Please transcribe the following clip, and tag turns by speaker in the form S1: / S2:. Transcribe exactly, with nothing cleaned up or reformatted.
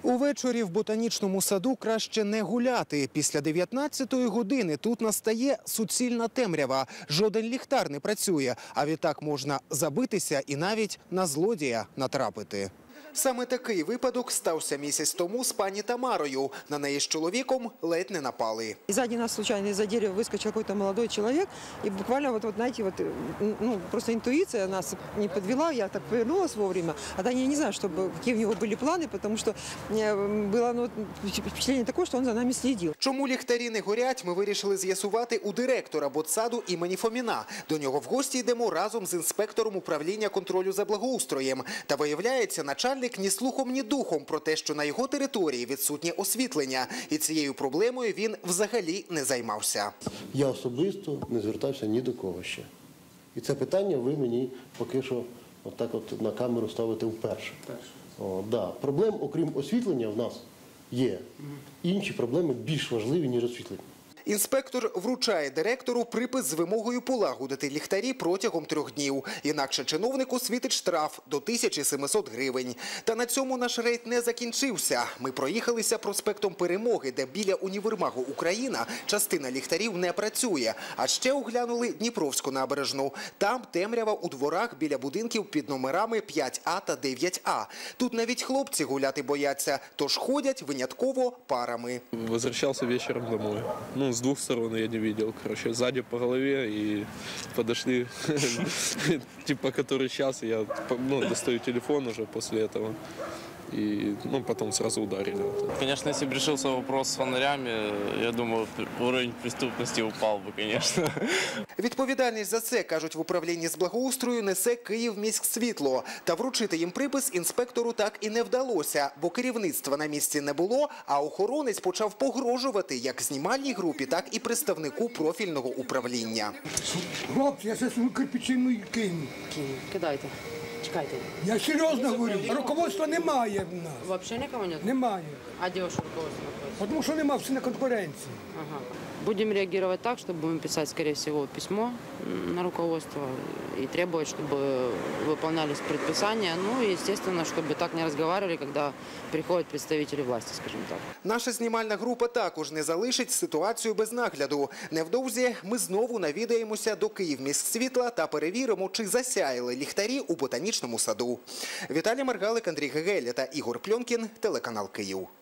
S1: Увечері в ботанічному саду краще не гуляти. Після дев'ятнадцятої години тут настає суцільна темрява. Жоден ліхтар не працює, а відтак можна забитися і навіть на злодія натрапити. Саме такий випадок стався місяць тому з пані Тамарою. На неї з чоловіком ледь не напали.
S2: Сзади нас случайно из-за дерева выскочил какой-то молодой человек. И буквально, вот, вот знаете, вот, ну, просто интуиция нас не подвела. Я так повернулась вовремя. А да, я не знаю, чтобы, какие у него были планы, потому что было ну, впечатление такое, что он за нами следил.
S1: Чому ліхтарі не горять, ми вирішили з'ясувати у директора ботсаду імені Фоміна. До нього в гості йдемо разом з інспектором управління контролю за благоустроєм. Та виявляється, начальник ні слухом, ні духом про те, що на його території відсутнє освітлення. І цією проблемою він взагалі не займався.
S3: Я особисто не звертався ні до кого ще. І це питання ви мені поки що отак от на камеру ставите вперше. О, да. Проблем, окрім освітлення, в нас є. Інші проблеми більш важливі, ніж освітлення.
S1: Інспектор вручає директору припис з вимогою полагодити ліхтарі протягом трьох днів. Інакше чиновнику світить штраф до тисячі семисот гривень. Та на цьому наш рейд не закінчився. Ми проїхалися проспектом Перемоги, де біля універмагу «Україна» частина ліхтарів не працює. А ще оглянули Дніпровську набережну. Там темрява у дворах біля будинків під номерами п'ять А та дев'ять А. Тут навіть хлопці гуляти бояться, тож ходять винятково парами.
S4: Возвращался вечером домой. Ну, с двух сторон я не видел, короче, сзади по голове и подошли, типа, который час, я ну, достаю телефон уже после этого. И ну, потом сразу ударили.
S5: Конечно, если бы решился вопрос с фонарями, я думаю, уровень преступности упал бы, конечно.
S1: Відповідальність за це, кажуть в управлінні з благоустрою, несе Київміськсвітло. Та вручити їм припис інспектору так і не вдалося, бо керівництва на місці не було, а охоронець почав погрожувати як знімальній групі, так і представнику профільного управління.
S6: Хлопці, я зараз кирпичину кину.
S7: Кидайте. Чекайте.
S6: Я серйозно говорю, руководства немає в нас.
S7: Взагалі нікого немає?
S6: Немає.
S7: А де ваше руководство знаходиться?
S6: Тому що немає, всі на конкуренції.
S7: Ага. Будем реагировать так, что будем писать, скорее всего, письмо на руководство и требовать, чтобы выполнялись предписания. Ну и, естественно, чтобы так не разговаривали, когда приходят представители власти, скажем так.
S1: Наша знімальна група також не залишить ситуацію без нагляду. Невдовзі ми знову навідаємося до Київміськсвітла та перевіримо, чи засяяли ліхтарі у ботанічному саду. Віталій Маргалик, Андрій Гегеля та Ігор Пльонкін, телеканал Київ.